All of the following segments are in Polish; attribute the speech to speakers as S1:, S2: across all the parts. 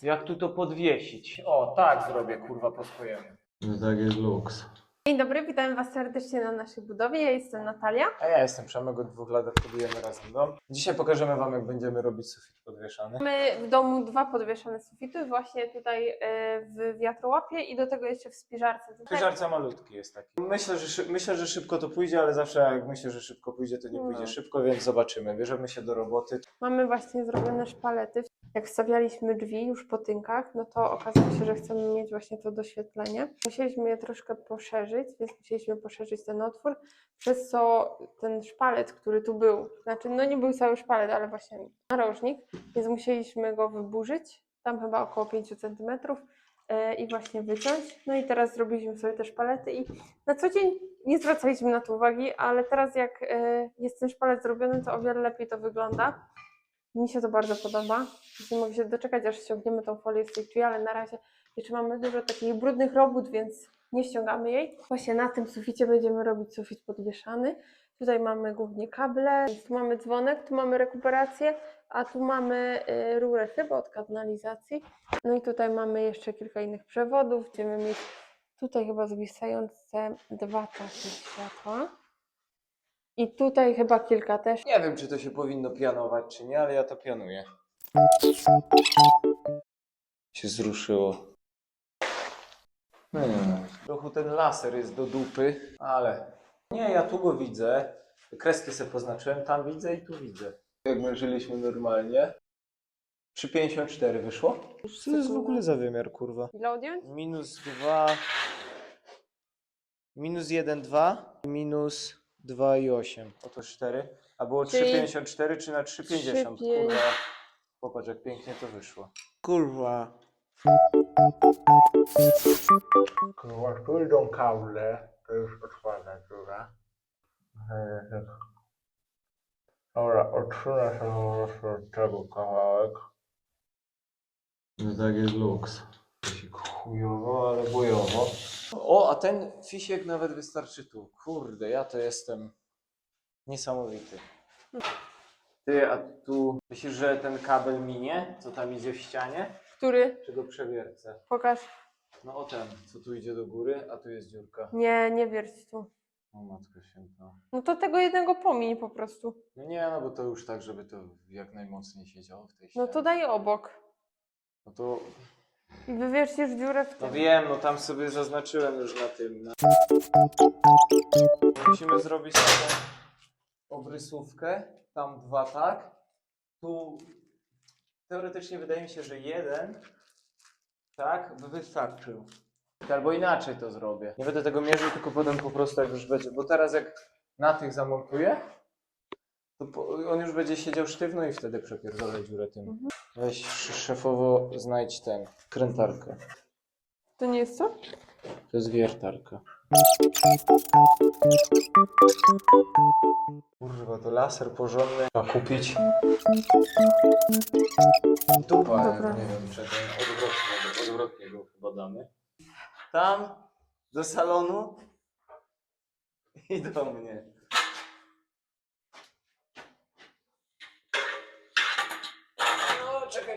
S1: Jak tu to podwiesić? O, tak zrobię, kurwa, po swojemu.
S2: No tak jest luks.
S3: Dzień dobry, witam Was serdecznie na naszej budowie. Ja jestem Natalia.
S1: A ja jestem Przemek, od 2 lat budujemy razem dom. Dzisiaj pokażemy Wam, jak będziemy robić sufit podwieszany.
S3: Mamy w domu 2 podwieszane sufity, właśnie tutaj w wiatrołapie i do tego jeszcze w spiżarce.
S1: Spiżarca malutki jest taki. Myślę, że szybko to pójdzie, ale zawsze jak myślę, że szybko pójdzie, to nie pójdzie szybko, więc zobaczymy. Bierzemy się do roboty.
S3: Mamy właśnie zrobione szpalety. Jak wstawialiśmy drzwi już po tynkach, no to okazało się, że chcemy mieć właśnie to doświetlenie. Musieliśmy je troszkę poszerzyć, więc musieliśmy poszerzyć ten otwór, przez co ten szpalet, który tu był, znaczy no nie był cały szpalet, ale właśnie narożnik, więc musieliśmy go wyburzyć, tam chyba około 5 cm i właśnie wyciąć. No i teraz zrobiliśmy sobie te szpalety i na co dzień nie zwracaliśmy na to uwagi, ale teraz jak jest ten szpalet zrobiony, to o wiele lepiej to wygląda. Mi się to bardzo podoba. Nie mogę się doczekać, aż ściągniemy tą folię z tej drzwi, ale na razie jeszcze mamy dużo takich brudnych robót, więc nie ściągamy jej. Właśnie na tym suficie będziemy robić sufit podwieszany. Tutaj mamy głównie kable, tu mamy dzwonek, tu mamy rekuperację, a tu mamy rurę chyba od kanalizacji. No i tutaj mamy jeszcze kilka innych przewodów. Będziemy mieć tutaj chyba zwisające 2 takie światła. I tutaj chyba kilka też.
S1: Nie wiem, czy to się powinno pianować, czy nie, ale ja to pianuję. Się zruszyło. No nie wiem. Trochę ten laser jest do dupy, ale... Nie, ja tu go widzę. Kreski sobie poznaczyłem, tam widzę i tu widzę. Jak mierzyliśmy normalnie. 3,54 wyszło? Co to jest w ogóle za wymiar, kurwa?
S3: Ile odjąć?
S1: -2... -1,2 i -2,8. Oto 4. A było
S3: Czyli
S1: 3,54 czy na 3,50?
S3: 3,5.
S1: Kurwa. Popatrz, jak pięknie to wyszło. Kurwa. Kurwa, tu idą kable. To już otwarta dziura. Dobra, odsunę sobie po prostu od tego kawałek.
S2: No tak jest luks.
S1: Chujowo, ale bojowo. O, a ten fisiek nawet wystarczy tu. Kurde, ja to jestem niesamowity. Ty, a tu myślisz, że ten kabel minie, co tam idzie w ścianie?
S3: Który?
S1: Czy go przewiercę?
S3: Pokaż.
S1: No o ten, co tu idzie do góry, a tu jest dziurka.
S3: Nie, nie wierć tu.
S1: O matko święta.
S3: No to tego jednego pomiń po prostu.
S1: No nie, no bo to już tak, żeby to jak najmocniej siedziało w tej ścianie.
S3: No to daj obok.
S1: No to...
S3: I wywiercisz dziurę w
S1: No
S3: tym.
S1: wiem, no tam sobie zaznaczyłem już na tym. Musimy zrobić taką obrysówkę. Tam 2 tak. Tu teoretycznie wydaje mi się, że 1 tak by wystarczył. Albo inaczej to zrobię. Nie będę tego mierzył, tylko potem po prostu jak już będzie. Bo teraz jak na tych zamontuję, to on już będzie siedział sztywno i wtedy przepierdolę dziurę tym. Weź szefowo znajdź ten, krętarkę.
S3: To nie jest co?
S1: To jest wiertarka. Kurwa, to laser porządny. Trzeba kupić. Dupa,
S3: Dobra.
S1: nie wiem, czy ten odwrotnie go chyba damy. Tam, do salonu i do mnie. No, czekaj.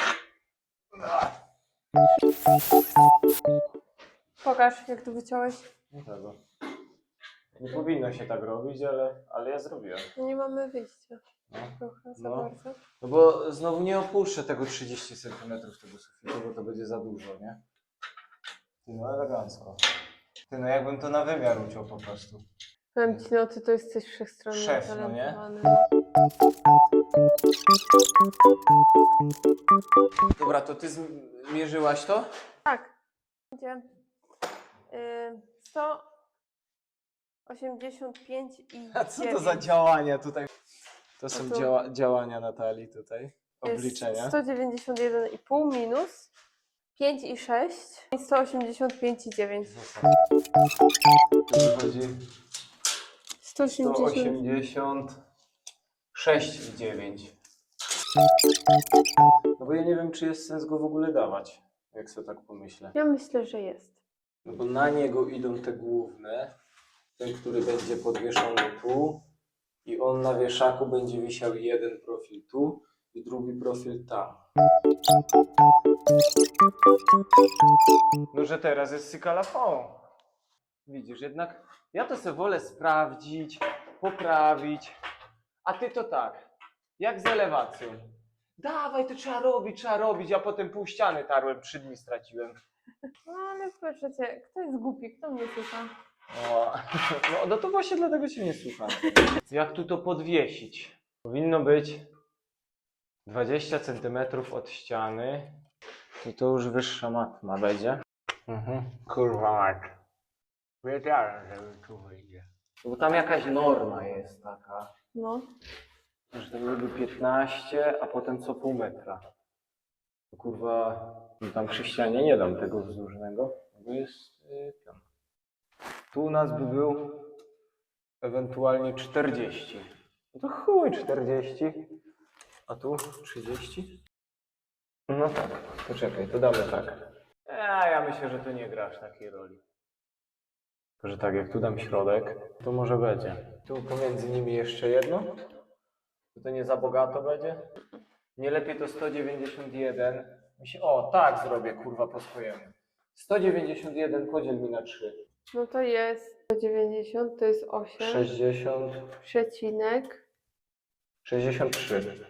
S3: Pokaż, jak tu wyciąłeś.
S1: Nie tego. Nie powinno się tak robić, ale ja zrobiłem.
S3: No nie mamy wyjścia.
S1: No.
S3: Trochę za
S1: No.
S3: bardzo.
S1: No bo znowu nie opuszczę tego 30 cm tego sufitu, bo to będzie za dużo, nie? Ty, no elegancko. Ty, no jakbym to na wymiar uciął po prostu.
S3: Powiem ci, no ty to jesteś wszechstronnie
S1: Szef, no nie?
S3: utalentowany.
S1: Dobra, to ty zmierzyłaś to?
S3: Tak. Będzie 185 i
S1: A co to
S3: 9.
S1: za działania tutaj? To są
S3: A tu-
S1: działania Natalii tutaj.
S3: Jest
S1: Obliczenia.
S3: 191,5 minus 5 i 6 i 185,9.
S1: To wychodzi
S3: 180.
S1: 186,9. No bo ja nie wiem, czy jest sens go w ogóle dawać, jak sobie tak pomyślę.
S3: Ja myślę, że jest.
S1: No bo na niego idą te główne, ten, który będzie podwieszony tu i on na wieszaku będzie wisiał jeden profil tu i drugi profil tam. No, że teraz jest sykalafon. Widzisz, jednak ja to sobie wolę sprawdzić, poprawić, a ty to tak, jak z elewacją. Dawaj, to trzeba robić, a potem pół ściany tarłem, 3 dni straciłem.
S3: No ale proszę cię, kto jest głupi, kto mnie słucha?
S1: O, no to właśnie dlatego cię nie słucham. Jak tu to podwiesić? Powinno być 20 cm od ściany. I to już wyższa matma będzie.
S2: Kurwa mać. Wiedziałem, że tu wyjdzie.
S1: Bo tam jakaś norma jest taka,
S3: No.
S1: że to byłoby 15, a potem co pół metra. To kurwa, no tam przy ścianie nie dam tego wzdłużnego, bo jest pion. Tu u nas by był ewentualnie 40. No to chuj 40, a tu 30. No tak, to czekaj, to damy tak. Ja myślę, że to nie gra aż takiej roli. Tylko, że tak, jak tu dam środek, to może będzie. Tu pomiędzy nimi jeszcze jedno. To nie za bogato będzie. Nie lepiej to 191. O, tak zrobię, kurwa, po swojemu. 191 podziel mi na 3.
S3: No to jest 190, to jest 8.
S1: 60,
S3: Przecinek.
S1: 63.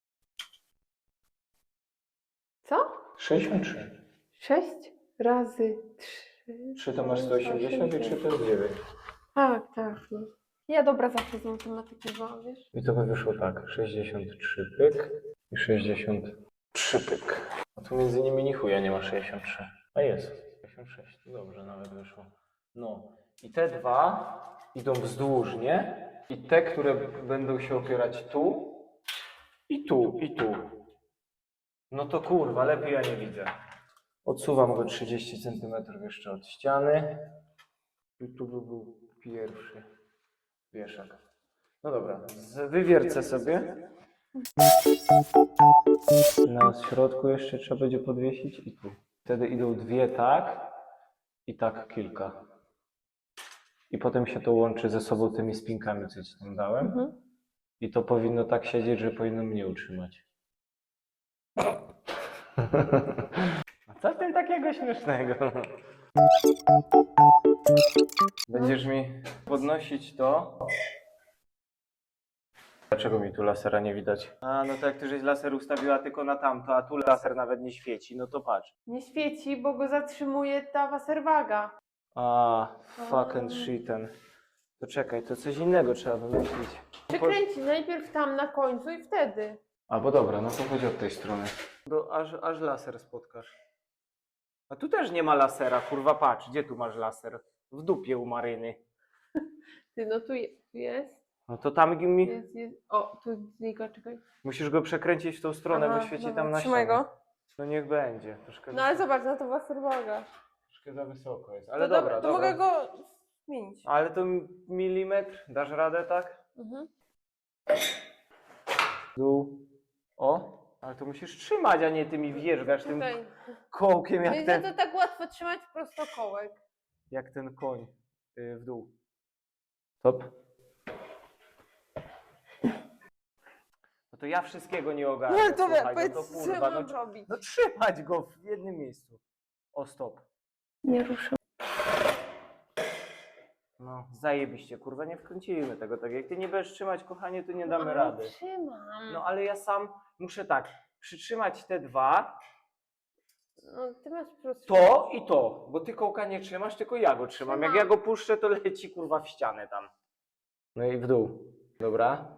S3: Co?
S1: 63.
S3: 6 razy 3.
S1: 3 to masz 180 i 3 to jest 9.
S3: Tak, tak. No. Ja dobra zawsze z matematyki byłam, wiesz?
S1: I to by wyszło tak. 63 pyk i 63 pyk. A tu między nimi ni chuja nie ma 63. A jest. 66. To dobrze nawet wyszło. No. I te dwa idą wzdłużnie. I te, które będą się opierać tu. I tu, i tu. No to kurwa, lepiej ja nie widzę. Odsuwam go 30 cm jeszcze od ściany. I tu by był pierwszy wieszak. No dobra, wywiercę sobie. Na środku jeszcze trzeba będzie podwiesić i tu. Wtedy idą dwie tak i tak kilka. I potem się to łączy ze sobą tymi spinkami, co ci tam dałem. I to powinno tak siedzieć, że powinno mnie utrzymać. A co w tym takiego śmiesznego? Będziesz mi podnosić to. Dlaczego mi tu lasera nie widać? A, no to jak ty żeś laser ustawiła tylko na tamto, a tu laser nawet nie świeci, no to patrz.
S3: Nie świeci, bo go zatrzymuje ta waserwaga.
S1: A, fucking shiten. To czekaj, to coś innego trzeba wymyślić.
S3: Przykręcić najpierw tam na końcu i wtedy.
S1: Albo dobra, no to chodź od tej strony. Aż laser spotkasz. A tu też nie ma lasera, kurwa, patrz, gdzie tu masz laser? W dupie u Maryny.
S3: Ty, no tu jest.
S1: No to tam mi...
S3: Jest. O, tu znika, czekaj.
S1: Musisz go przekręcić w tą stronę,
S3: Aha,
S1: bo świeci
S3: dobra,
S1: tam na
S3: trzymaj
S1: ścianę.
S3: go.
S1: No niech będzie. Troszkę,
S3: No ale zobacz, no to waserwaga.
S1: troszkę za wysoko jest. Ale
S3: To
S1: dobra,
S3: to
S1: dobra.
S3: mogę go zmienić.
S1: Ale to milimetr, dasz radę, tak?
S3: Mhm.
S1: Dół. O, ale to musisz trzymać, a nie ty mi wjeżdżasz tym
S3: Tutaj.
S1: kołkiem
S3: Więc to tak łatwo trzymać prostokołek.
S1: jak ten koń w dół. Stop. No to ja wszystkiego nie ogarnę.
S3: No to
S1: słuchaj,
S3: powiedz,
S1: no to
S3: co
S1: kurwa,
S3: mam robić?
S1: no trzymać go w jednym miejscu. O, stop.
S3: Nie ruszę.
S1: No, zajebiście, kurwa, nie wkręcimy tego tak. Jak ty nie będziesz trzymać, kochanie, to nie damy rady.
S3: Trzymam.
S1: No, ale ja sam muszę tak, przytrzymać te dwa,
S3: No, ty masz prosto.
S1: to i to, bo ty kołka nie trzymasz, tylko ja go trzymam. Jak ja go puszczę, to leci, kurwa, w ścianę tam. No i w dół. Dobra.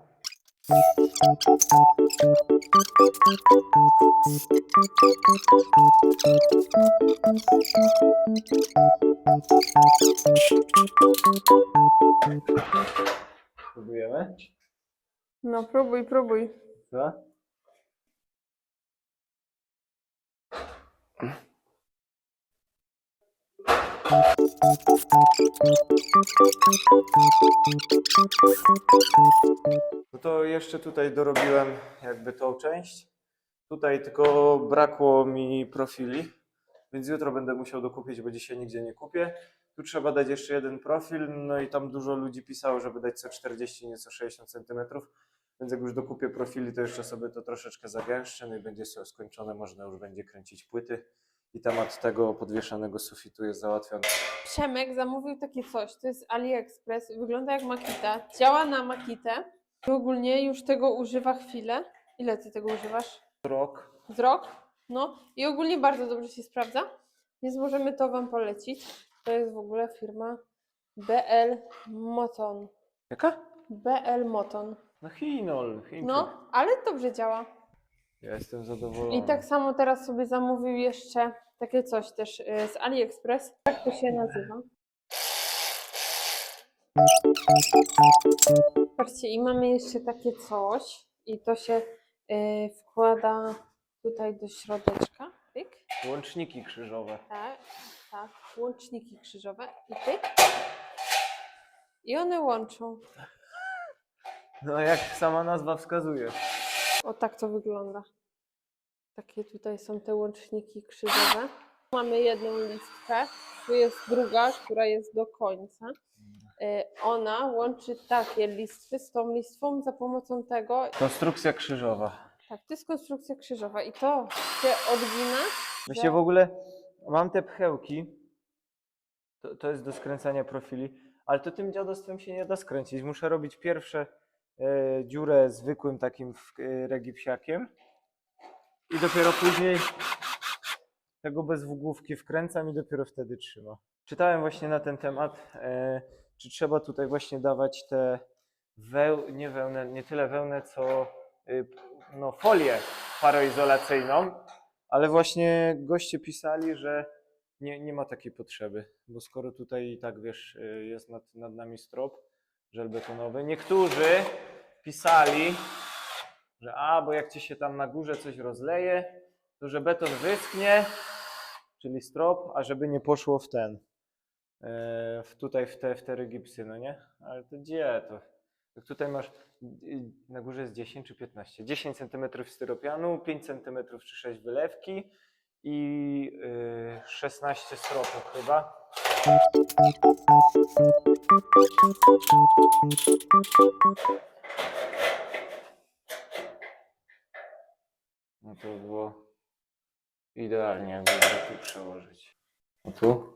S1: Próbujemy?
S3: No, próbuj.
S1: Co? No to jeszcze tutaj dorobiłem jakby tą część. Tutaj tylko brakło mi profili, więc jutro będę musiał dokupić, bo dzisiaj nigdzie nie kupię. Tu trzeba dać jeszcze jeden profil, no i tam dużo ludzi pisało, żeby dać co 40, nieco 60 cm. Więc jak już dokupię profili, to jeszcze sobie to troszeczkę zagęszczę, no i będzie skończone, można już będzie kręcić płyty. I temat tego podwieszanego sufitu jest załatwiony.
S3: Przemek zamówił takie coś, to jest AliExpress, wygląda jak Makita, działa na Makitę i ogólnie już tego używa chwilę. Ile ty tego używasz?
S1: Rok.
S3: Z rok? No i ogólnie bardzo dobrze się sprawdza, więc możemy to wam polecić. To jest w ogóle firma BL Moton.
S1: Jaka?
S3: BL Moton.
S1: No Chinol, Chińczyk.
S3: No, ale dobrze działa.
S1: Ja jestem zadowolony.
S3: I tak samo teraz sobie zamówił jeszcze takie coś też z AliExpress. Jak to się nazywa? Patrzcie, i mamy jeszcze takie coś i to się wkłada tutaj do środeczka. Pyk.
S1: Łączniki krzyżowe.
S3: Tak, tak. Łączniki krzyżowe i pyk. I one łączą.
S1: No jak sama nazwa wskazuje.
S3: O tak to wygląda. Takie tutaj są te łączniki krzyżowe. Mamy jedną listkę, tu jest druga, która jest do końca. Ona łączy takie listwy z tą listwą za pomocą tego.
S1: Konstrukcja krzyżowa.
S3: Tak, to jest konstrukcja krzyżowa i to się odgina.
S1: Myślę w ogóle, mam te pchełki, to jest do skręcania profili, ale to tym dziadostwem się nie da skręcić. Muszę robić pierwsze dziurę zwykłym takim regipsiakiem i dopiero później tego bez włókówki wkręcam i dopiero wtedy trzyma. Czytałem właśnie na ten temat, czy trzeba tutaj właśnie dawać te nie tyle wełnę, co no, folię paroizolacyjną, ale właśnie goście pisali, że nie ma takiej potrzeby, bo skoro tutaj i tak wiesz, jest nad nami strop żelbetonowy. Niektórzy pisali, że bo jak ci się tam na górze coś rozleje, to że beton wyschnie, czyli strop, a żeby nie poszło w ten, tutaj w te regipsy, no nie? Ale to gdzie to? Jak tutaj masz, na górze jest 10 czy 15? 10 cm styropianu, 5 cm czy 6 wylewki i 16 stropów chyba. No to było idealnie, jakby go tu przełożyć. A tu?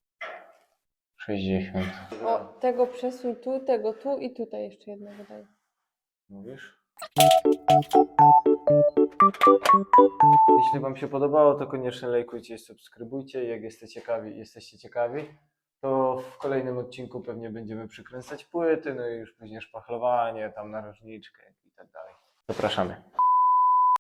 S1: 60.
S3: O, tego przesuń tu, tego tu i tutaj jeszcze jednego daj.
S1: Mówisz? Jeśli wam się podobało, to koniecznie lajkujcie i subskrybujcie. Jak jesteście ciekawi, to w kolejnym odcinku pewnie będziemy przykręcać płyty, no i już później szpachlowanie, tam narożniczkę i tak dalej. Zapraszamy.